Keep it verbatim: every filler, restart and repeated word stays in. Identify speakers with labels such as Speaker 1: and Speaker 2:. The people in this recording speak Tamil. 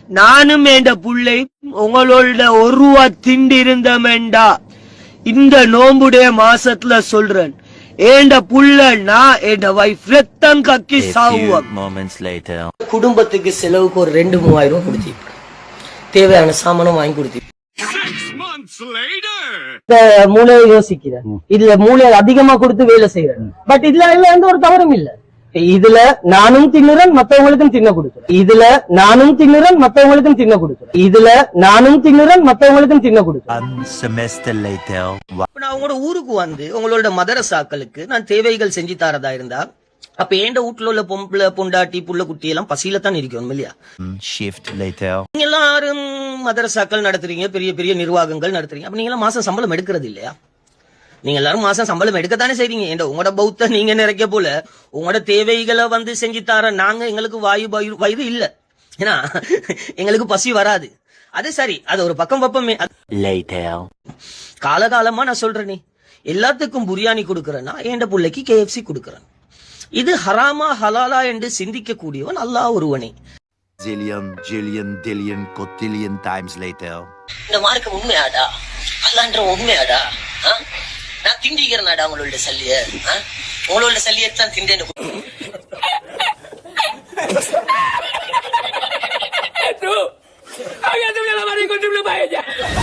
Speaker 1: நானும் என்ற புள்ளை உங்களோட ஒரு ரூபா திண்டு இருந்தமெண்டா இந்த நோம்புடைய மாசத்துல சொல்றேன். ஏண்ட புள்ள நான் என் வைஃப் ரத்தம் கக்கி சாவுவோம். குடும்பத்துக்கு செலவுக்கு ஒரு ரெண்டு மூவாயிரம் ரூபாய் கொடுத்தி தேவையான சாமானம் வாங்கி கொடுத்தி மூளையை யோசிக்கிறேன். இதுல மூளை அதிகமா கொடுத்து வேலை செய்யறேன். பட் இதுல எந்த ஒரு தவறும் இல்ல. இதுல நானும் தின்னுறேன், மத்தவங்களுக்கும் தின்ன கொடுக்குறேன். இதுல நானும் தின்னுறேன், மத்தவங்களுக்கும் தின்ன கொடுக்குறேன். இதுல நானும் தின்னுறேன், மத்தவங்களுக்கும் தின்ன கொடுக்குறேன். நான் உங்களோட ஊருக்கு வந்து உங்களோட மதரசாக்களுக்கு நான் தேவைகள் செஞ்சு தரதா இருந்தா அப்ப ஏண்ட வீட்டுல உள்ள பொம்பளை பொண்டாட்டி புள்ள குட்டி எல்லாம் பசியில தான் இருக்கணும் இல்லையா? நீங்க எல்லாரும் மதரசாக்கள் நடத்துறீங்க, பெரிய பெரிய நிர்வாகங்கள் நடத்துறீங்க. அப்ப நீங்க எல்லாம் மாசம் சம்பளம் எடுக்கிறது இல்லையா? நீங்க எல்லாரும் மாசம் சம்பளம் எடுக்கத்தானே செய்றீங்க. ஏண்டா உங்களோட பௌத்த நீங்க நிறைக்க போல உங்களோட தேவைகளை வந்து செஞ்சு தர நாங்க எங்களுக்கு வாயு வயிறு இல்ல, ஏன்னா எங்களுக்கு பசி வராது. அது சரி, அது ஒரு பக்கம் பப்பமே. காலகாலமா நான் சொல்றேனே, எல்லாத்துக்கும் பிரியாணி கொடுக்கறேன்னா என் பிள்ளைக்கு கே எஃப் சி கொடுக்கறேன். இது ஹராமா ஹலாலா என்று சிந்திக்க கூடியவன் அல்லாஹ் ஒருவனே.
Speaker 2: Zillion, jillion, dillion, cotillion times later.
Speaker 3: இந்த மார்க்கம் உண்மையாடா? அல்லாஹ்ன்ற உண்மையாடா? நான் திண்டிக்கிறேனாடா உங்களோட சல்லிய? உங்களோட சல்லியத்தான் திண்டேன்னு Tú, hágate una lavada y contribuye para ella.